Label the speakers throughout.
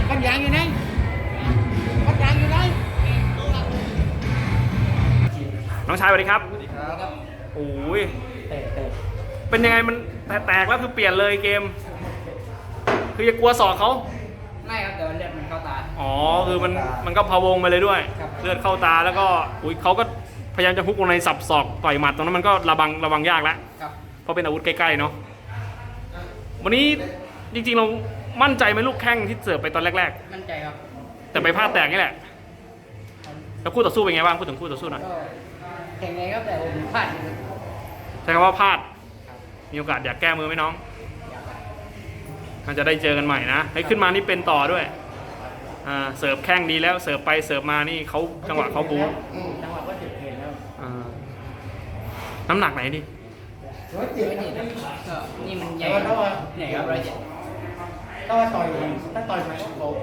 Speaker 1: ก้อนยางอยู่ไหนก้อนยางอยู่ไหน
Speaker 2: น้องชายสวัสดีครับ
Speaker 3: สวัสดีครับ
Speaker 2: โอ้ย
Speaker 3: เตะ
Speaker 2: เป็นยังไงมันแตกแล้วคือเปลี่ยนเลยเกม คืออย่ากลัวศอกเขา
Speaker 3: ไม่ครับแต่ว่าเลือดมันเข้าตา
Speaker 2: อ๋อคือมันก็พะวงไปเลยด้วย
Speaker 3: ครับ
Speaker 2: เลือดเข้าตาแล้วก็อุ้ยเขาก็พยายามจะฮุกลงในสับศอกต่อยหมัดตรงนั้นมันก็ระวังยากแล้ว
Speaker 3: ครับ
Speaker 2: เพราะเป็นอาวุธใกล้ๆเนาะวันนี้จริงๆเรามั่นใจไหมลูกแข้งที่เสิร์ฟไปตอนแรก
Speaker 3: มั่นใจครับ
Speaker 2: ๆ แต่ไปพลาดแตกนี่แหละแล้วคู่ต่อสู้เป็นไงบ้างพูดถึงคู่ต่อสู้หน่อย
Speaker 3: ก็แข่งไงครับแต่ผมพลาดอยู่ครับ
Speaker 2: ใช้คำว่าพลาดมีโอกาสอยากแก้มือไหมน้องมันจะได้เจอกันใหม่นะให้ขึ้นมานี่เป็นต่อด้วยเสิร์ฟแข้งดีแล้วเสิร์ฟไปเสิร์ฟมานี่เขาจังหวะเขาบู๊
Speaker 3: จังหวะก็จุดเห็นแล้ว
Speaker 2: น้ำหนักไหนดิ
Speaker 3: 107ก็นี่มันใหญ่ใหญ่ครับ107
Speaker 1: ถ้าต่อยไหมโอ้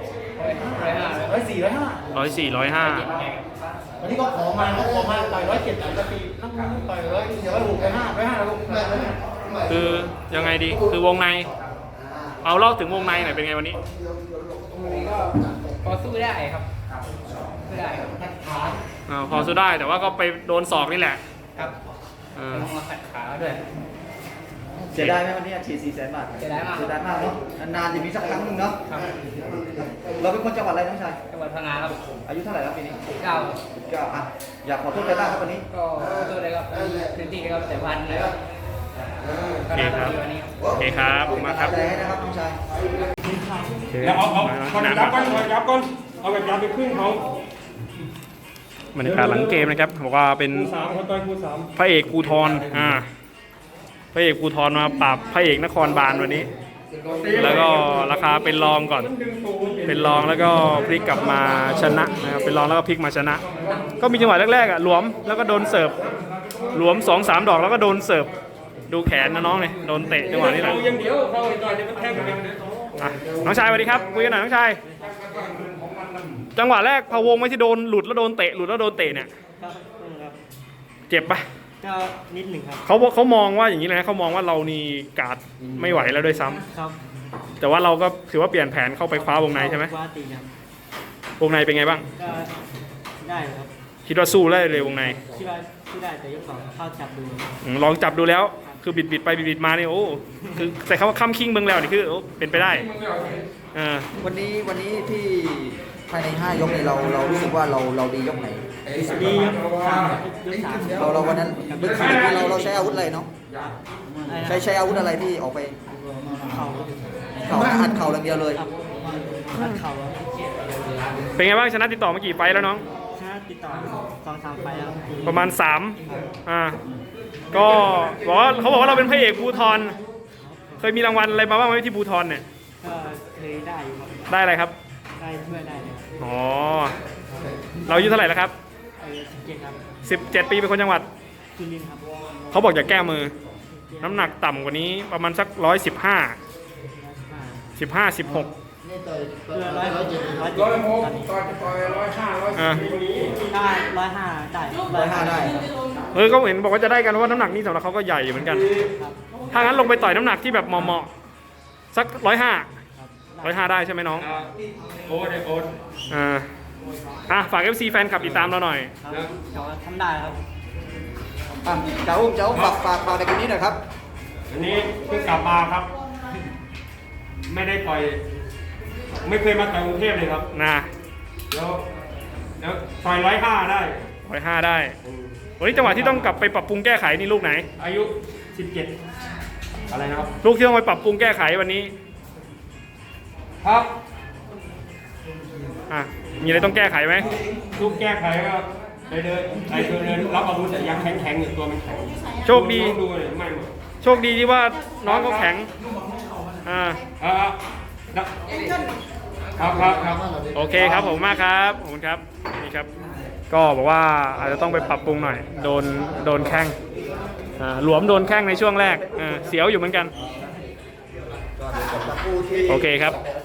Speaker 1: 104 105
Speaker 2: 104 105
Speaker 1: วันนี้ก็ขอมาต่อย107ต่อย104นักมวยต่อย100เดี๋ยว106 105แล้วลูก
Speaker 2: คือยังไงดีคือวงในเอาเล่าถึงวงในหน่อยเป็นไงวันนี้
Speaker 3: นี่ก็พอสู้ได้ครับสู้ได้ครับ
Speaker 2: พอสู้ได้แต่ว่าก็ไปโดนศอกนี่แหละ
Speaker 3: ครับ
Speaker 2: อ่า
Speaker 3: ต้องมาขัดขาด้วย
Speaker 4: เสียดายไหมวันนี้ฉีด400,000 บาท
Speaker 3: เสียดายมาก
Speaker 4: เสียดายมากเนาะนานๆจะมีสักครั้งหนึงเนาะ
Speaker 3: ครับ
Speaker 4: เราเป็นคนจังหวัดอะไรน้องชาย
Speaker 3: จังหวัดพังงาครับ
Speaker 4: อายุเท่าไหร่แล้วปีนี้
Speaker 3: เก้า
Speaker 4: 19อ่ะอยากขอโทษใครบ้างครับวันนี้
Speaker 3: ก็ขอโทษเลยครับพื้นที่ครับแต่วันเลยครับ
Speaker 2: โอเคครับ
Speaker 3: วันนี้
Speaker 2: โอเคครับผมมาครับ
Speaker 4: ใจให้นะครับน้องชาย
Speaker 5: แล้วเอาคนยับก่อนเอาแบบยับไปครึ่งเขา
Speaker 2: บรรยากาศหลังเกมนะครับบอกว่าเป็น
Speaker 5: คู่สามคนต่อยคู่สาม
Speaker 2: พระเอกภูธรพระเอกภูธรมาปราบพระเอกนครบาลวันนี้ แล้วก็ราคาเป็นรองก่อน เป็นรองแล้วก็พลิกกลับมาชนะนะครับเป็นรองแล้วก็พลิกมาชนะ ก็มีจังหวะแรกๆหลวมแล้วก็โดนเสิร์ฟหลวม 2-3 ดอกแล้วก็โดนเสิร์ฟดูแขนนะน้องเลยโดนเตะจังหวะนี้แหละ
Speaker 5: เอาอย่างเดียวเข้าไปต่อยจะเป็นแท่งกันเลย
Speaker 2: น้องชายสวัสดีครับคุยกันหน่อยน้องชายจังหวะแรกพะวงไม่ที่โดนหลุดแล้วโดนเตะเนี่ยเจ็บปะ
Speaker 6: ก็นิดหนึ่งครับ
Speaker 2: เขามองว่าอย่างนี้เลยนะเขามองว่าเรานี่การ์ดไม่ไหวแล้วด้วยซ้ำ
Speaker 6: ครับ
Speaker 2: แต่ว่าเราก็ถือว่าเปลี่ยนแผนเข้าไปคว้าวงในใช่ไหม
Speaker 6: ว่าตีครับ
Speaker 2: วงในเป็นไงบ้าง
Speaker 6: ก็ได้ครับ
Speaker 2: คิดว่าสู้ได้เลยวงใน
Speaker 6: คิดว่าที่ได้แต่ยกสองเข้าจับดู
Speaker 2: ลองจับดูแล้วคือบิดไปบิดมานี่โอ้คือแต่คำว่าค้ำคิงเมืองแล้วนี่คือโอ้เป็นไปได้
Speaker 4: วันนี้ที่ภายใน5 ยกนี้เรารู้สึกว่าเราดียกไหน
Speaker 6: ดียกสามยกสาม
Speaker 4: เราวันนั้นลึกสุดเราใช้อาวุธอะไรเนาะใช้อาวุธอะไรที่ออกไป
Speaker 6: เข่า
Speaker 4: อัดเข่าอย่างเดียวเลย
Speaker 6: ครับอัดเข่า
Speaker 2: เป็นไงบ้างชนะติดต่อมากี่ไฟล์แล้วน้อง
Speaker 6: ชนะติดต่อ2-3 ไฟล์แล้ว
Speaker 2: ประมาณ3ก็บอกว่าเขาบอกว่าเราเป็นพระเอกภูธรเคยมีรางวัลอะไรมาบ้างไหมที่ภูธรเนี่ย
Speaker 6: ก็เคยได้อยู่ครับ
Speaker 2: ได้อะไรครับ
Speaker 6: ได้ช่วยได้เลย
Speaker 2: อ๋อเราอายุเท่าไหร่แล้วครับ
Speaker 6: 17ครับ
Speaker 2: 17 ปีเป็นคนจังหวัด
Speaker 6: จุลินทร์ครับ
Speaker 2: เขาบอกอย่าแก้มือ น้ำหนักต่ำกว่านี้ประมาณสัก115 16
Speaker 6: เพื่อ107ตอนนี้
Speaker 2: อ่า
Speaker 6: ถ้า105ได้
Speaker 4: 105ได้
Speaker 2: เขาเห็นบอกว่าจะได้กันเพราะว่าน้ำหนักนี่สำหรับเขาก็ใหญ่อยู่เหมือนกัน
Speaker 6: ครับ
Speaker 2: ถ้างั้นลงไปต่อยน้ำหนักที่แบบเหมาะๆสัก105ได้ใช่ไหมน้อง
Speaker 5: โอ้ยโอ๊ต
Speaker 2: ฝาก FC แฟนคลับติดตามเราหน่อย
Speaker 6: ครับเขาทำได้ครับ
Speaker 4: อ่ะเจ้าฝากในเกมนี้หน่อยครับ
Speaker 5: อันนี้เพิ่งกลับมาครับ ไม่ได้ต่อยไม่เคยมาต่อยกรุงเทพเลยครับ
Speaker 2: นะ
Speaker 5: แล้วต่อย105ได้
Speaker 2: 105ได้วันนี้จังหวะที่ต้องกลับไปปรับปรุงแก้ไขนี่ลูกไหน
Speaker 5: อายุ 17 อะไรนะครับ
Speaker 2: ลูกที่ต้องไปปรับปรุงแก้ไขวันนี้
Speaker 5: ครับ
Speaker 2: มีอะไรต้องแก้ไขไหม
Speaker 5: ลูกแก้ไขก็ไปเดินรับอาวุธแต่ยังแข็งอยู่ตัวมันแข็ง
Speaker 2: โชคดี
Speaker 5: ดูเลยไม่หมด
Speaker 2: โชคดีที่ว่าน้องเขาแข็ง
Speaker 5: ครับ
Speaker 2: โอเคครับผมมากครับขอบคุณครับนี่ครับ ก็บอกว่าอาจจะต้องไปปรับปรุงหน่อย โดนแข้งหลวมโดนแข้งในช่วงแรกเสียวอยู่เหมือนกันโอเคครับ